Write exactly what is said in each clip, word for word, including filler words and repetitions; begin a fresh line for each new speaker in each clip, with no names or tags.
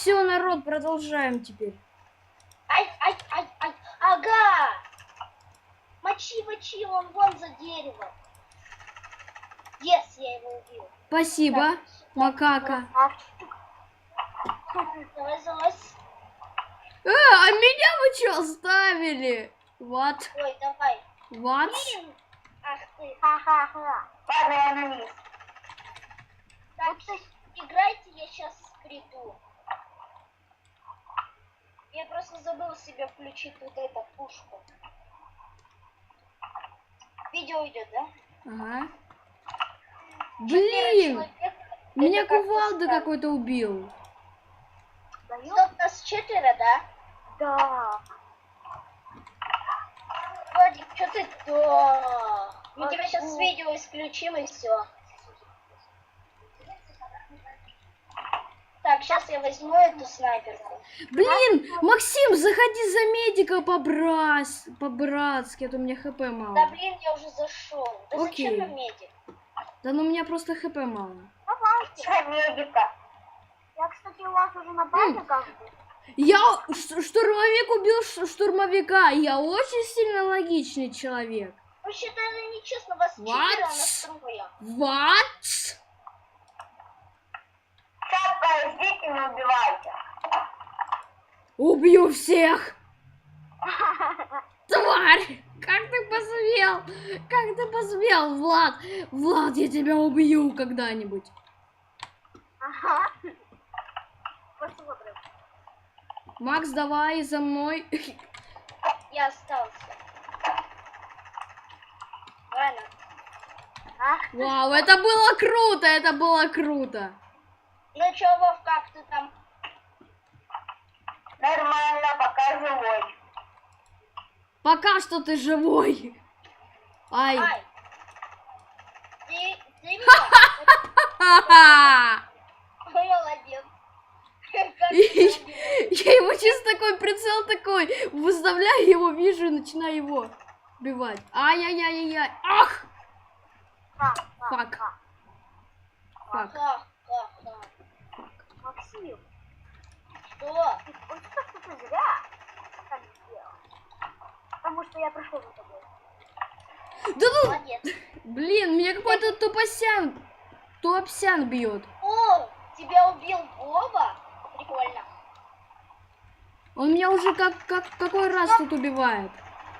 все, народ, продолжаем теперь.
Ай, ай, ай, ай, ага! Мочи, мочи, он вон за деревом. Yes, я его убил.
Спасибо,
Так,
макака.
Давай залазь.
Э, а меня вы что оставили? Вот,
Ой, давай.
вот.
Блин. Ах ты.
Ха-ха-ха. Ладно, я на низ.
Так, играйте, я сейчас приду. Я просто забыл себе включить вот эту пушку. Видео идет, да?
Ага.
Четверо
Блин,
человек.
меня
Это как-то
кувалда
странно.
какой-то убил.
Стоп, нас четверо, да?
Да.
Владик, что ты? Да. Мы
А
тебя сейчас
что?
с видео исключим и все. Так, сейчас я возьму эту снайперку.
Блин, Максим, заходи за медика по-брас... по-братски, а то у меня хп
Да
мало.
блин, я уже зашел. Да
Окей.
зачем нам медик?
Да ну у меня просто хп мало.
Давайте. Что, медика? Я, кстати, у вас уже на базе как бы.
Я ш- штурмовик убил ш- штурмовика. Я очень сильно логичный человек.
Вообще-то это нечестно, вас
What?
четверо настроя.
What?
Шапка, ждите, не убивайте.
Убью всех! Тварь! Как ты посмел? Как ты посмел, Влад? Влад, я тебя убью когда-нибудь.
Ага. Посмотрим.
Макс, давай за мной.
Я остался. Ладно.
Ах,
Вау, это было круто, это было круто.
Ну чё, Вов, как ты там?
нормально, пока живой.
Пока что ты живой. Ай.
Ай. Ты, ты меня?
Ха-ха.
Молодец. Как ты там убил?
Я его чисто такой прицел такой выставляю, его вижу и начинаю его убивать. Ай-яй-яй-яй-яй. Ах!
Ха, ха,
Фак.
ха.
Фак.
Ха-ха-ха.
Максим,
Что?
ты вот что ты зря так сделал. Потому что я пришел за тобой.
Да ну,
Молодец.
блин, меня какой-то тупосян, тупсян бьет.
О, тебя убил Вова? Прикольно.
Он меня уже как, как какой раз тут убивает.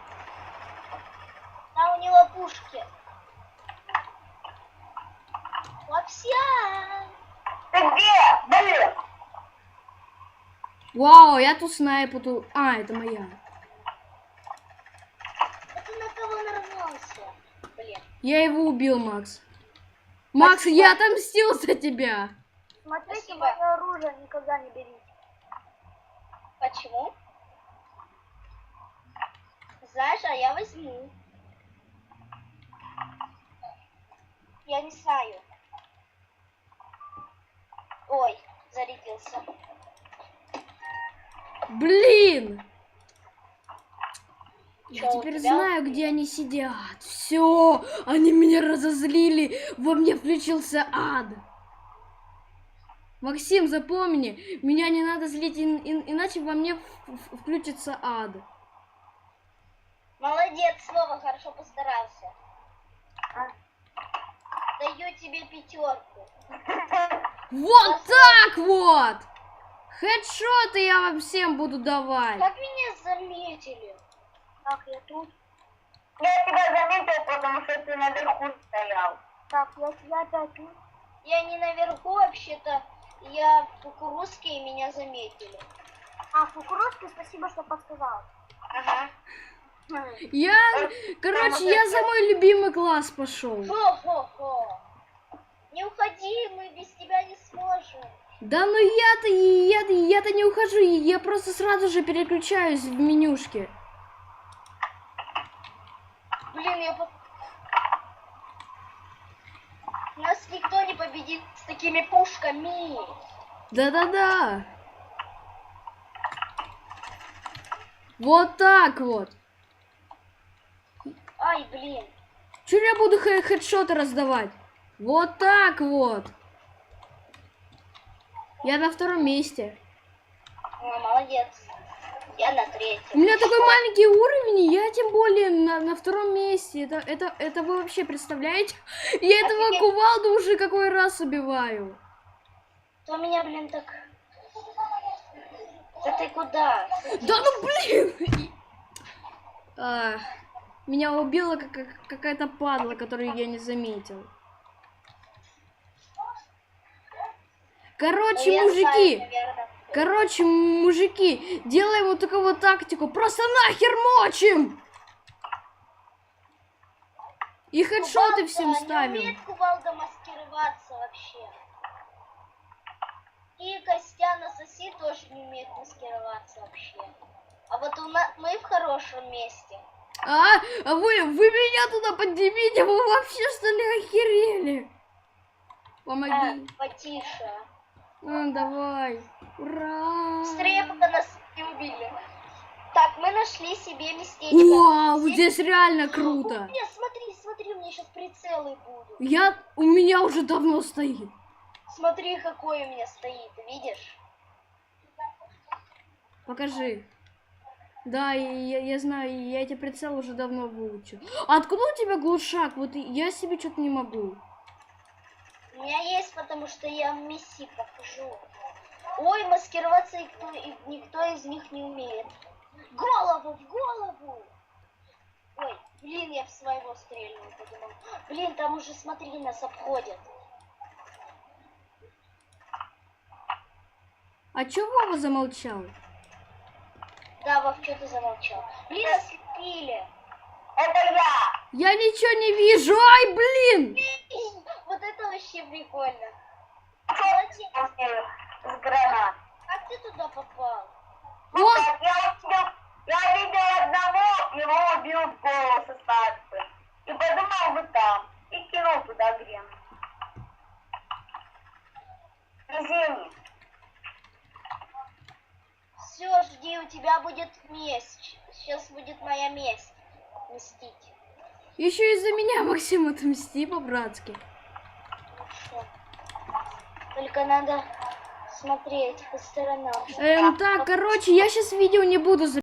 Там у него пушки. Лапся.
Ты где? Блин.
Вау, я тут снайпу тут. А, это моя.
А ты на кого нарвался? Блин.
Я его убил, Макс. Макс, я отомстил за тебя.
Смотрите,
Спасибо.
мое оружие никогда не берите.
Почему? Знаешь, а я возьму. Я не знаю. Ой, зарядился.
Блин! Я
Чё, у
теперь
тебя?
знаю, где они сидят. Все, они меня разозлили. Во мне включился ад. Максим, запомни, меня не надо злить, ин- ин- иначе во мне в- в- включится ад.
Молодец, снова хорошо постарался.
А?
Даю тебе пятерку.
Вот так вот! Хедшоты я вам всем буду давать.
Как меня заметили?
Так, я тут.
Я тебя заметил, потому что ты наверху стоял.
Так, я, я опять тут.
Я не наверху, вообще-то. Я в кукурузке, и меня заметили.
А, кукурузки, спасибо, что подсказал.
Ага.
Я, короче, я за мой любимый класс пошел.
Хо-хо-хо. Не уходи, мы без тебя не сможем.
Да ну я-то, я, я-то не ухожу, я просто сразу же переключаюсь в менюшке.
Блин, я... по- Нас никто не победит с такими пушками.
Да-да-да. Вот так вот.
Ай, блин.
Чё я буду хэ- хедшоты раздавать? Вот так вот. Я на втором месте.
Ой, молодец. Я на
У
третьем.
меня такой маленький уровень, и я тем более на, на втором месте. Это, это, это вы вообще представляете? Я этого
Офигеть.
кувалду уже какой раз убиваю.
То меня, блин, так... Да ты куда?
Да ну блин! А, меня убила как- как- какая-то падла, которую я не заметил. Короче,
Ну, я
мужики,
знаю, наверное.
короче, мужики, делаем вот такую вот тактику. Просто нахер мочим! И хедшоты
Кувалда
всем
Не
ставим.
умеет кувалда маскироваться вообще. И Костян Ассаси тоже не умеет маскироваться вообще. А вот у нас мы в хорошем месте.
А, а вы, вы меня туда поднимите, вы вообще что ли охерели? Помоги.
А, потише.
А, давай. Ура!
Быстрее, пока нас не убили. Так, мы нашли себе местечко.
Вау,
Здесь-
здесь реально круто.
Нет, смотри, смотри, у меня сейчас прицелы будут.
Я, у меня уже давно стоит.
Смотри, какой у меня стоит, видишь?
Покажи. Да, я, я знаю, я эти прицелы уже давно выучил. А откуда у тебя глушак? Вот и- я себе что-то не могу.
У меня есть, потому что я Месси покажу. Ой, маскироваться никто, и- никто из них не умеет. Голову, в голову! Ой, блин, я в своего стрельнул, подумал. Блин, там уже, смотри, нас обходят.
А чё Вова замолчал?
Да, Вов, что ты замолчал? Блин, ослепили.
Это я.
Я ничего не вижу. Ай, блин!
Вот это вообще прикольно.
Молодец. С гранат.
Как ты туда попал?
Ну
Он-
как, я увидел, я видел одного, его убил в голову со старта. И подумал, вы там. И кинул туда грен. Везение.
Все, жди, у тебя будет месть. Сейчас будет моя месть. Мстить.
Еще из-за меня, Максим, отмсти по-братски.
Хорошо. Только надо смотреть по сторонам.
Эм, так, короче, я сейчас видео не буду записывать.